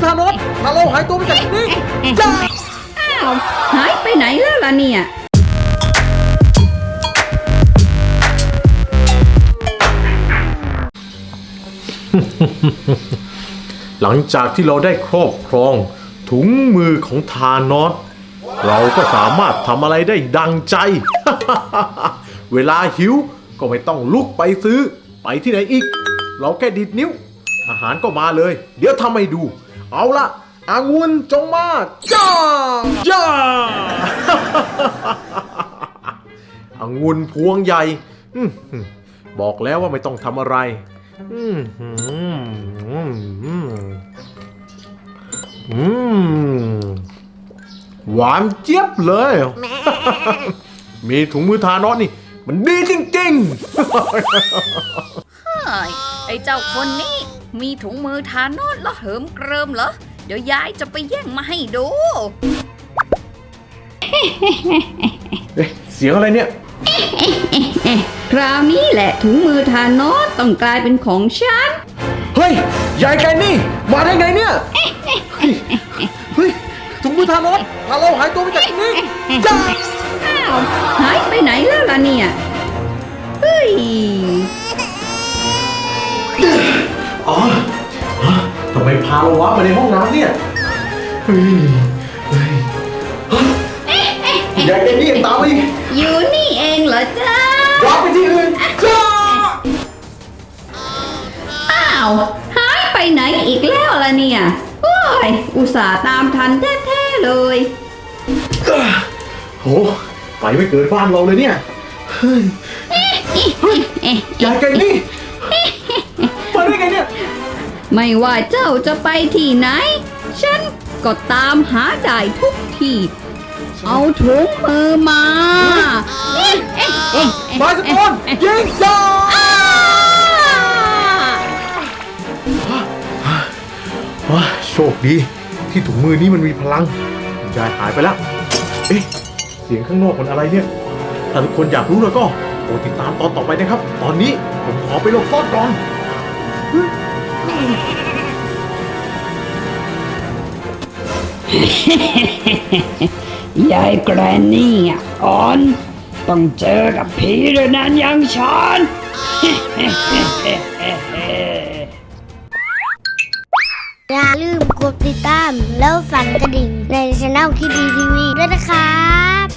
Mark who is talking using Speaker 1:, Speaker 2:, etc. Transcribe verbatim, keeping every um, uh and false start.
Speaker 1: ธานอสถ้าเราหายตัวไปจากที่นี่จ้า
Speaker 2: อ้าวหายไปไหนแล้วล่ะเนี่ย
Speaker 1: หลังจากที่เราได้ครอบครองถุงมือของธานอสเราก็สามารถทำอะไรได้ดังใจ เวลาหิวก็ไม่ต้องลุกไปซื้อไปที่ไหนอีกเราแค่ดิดนิ้วอาหารก็มาเลยเดี๋ยวทำให้ดูเอาละองุ่นจงมาจ้าจ้า องุ่นพวงใหญ่บอกแล้วว่าไม่ต้องทำอะไรอืมอืมอืมอืมหวานเจี๊ยบเลย มีถุงมือทานอสนี่มันดีจริงๆ
Speaker 3: เฮ้ยไอ้เจ้าคนนี้มีถุงมือทานอสแล้วเหิมเกริมเหรอเดี๋ยวยายจะไปแย่งมาให้ดู
Speaker 1: เอ๊ะเสียงอะไรเนี่ย
Speaker 2: คราวนี้แหละถุงมือทานอสต้องกลายเป็นของฉัน
Speaker 1: เฮ้ยยายแกนี่มาได้ไงเนี่ย เฮ้ยเฮ้ยถุงมือทานอสพาเราหายตัวไปจากที่นี่จ้า
Speaker 2: อ้าวหายไปไหนแล้วล่ะเนี่ยเฮ้ย
Speaker 1: อ๋อฮะทำไมพาเราวะมาในห้องน้ำเนี่ยเฮ้ยเฮ้ยฮะยายแกนี่ยังตามมาอีก
Speaker 2: อยู่นี่เองเหรอจ๊ะ
Speaker 1: วางไปที่อื่นจ้า
Speaker 2: อ้าวหายไปไหนอีกแล้วล่ะเนี่ยโอ้ยอุตส่าห์ตามทันแท้ๆเลย
Speaker 1: โหไปไม่เกินบ้านเราเลยเนี่ยเฮ้ยเฮ้ยยายแกนี่มาได้ไงเนี่ย
Speaker 2: ไม่ว่าเจ้าจะไปที่ไหน ฉันก็ตามหาได้ทุกที่ เอาถุงมือมาเอ๊ะเอ๊ะเอ๊ะ
Speaker 1: มาสกอนยิงจ้าว้าโชคดีที่ถุงมือนี้มันมีพลังยายหายไปแล้วเอ๊ะเสียงข้างนอกมันอะไรเนี่ยถ้าทุกคนอยากรู้แล้วก็โปรดติดตามตอนต่อไปนะครับ ตอนนี้ผมขอไปหลบซ่อนก่อน
Speaker 2: ยายแกรนนี่อ่อนต้องเจอกับผีด้วยนั้นอย่างฉัน
Speaker 4: อย่าลืมกดติดตามแล้วสั่นกระดิ่งในช่องคิดดีทีวีด้วยนะครับ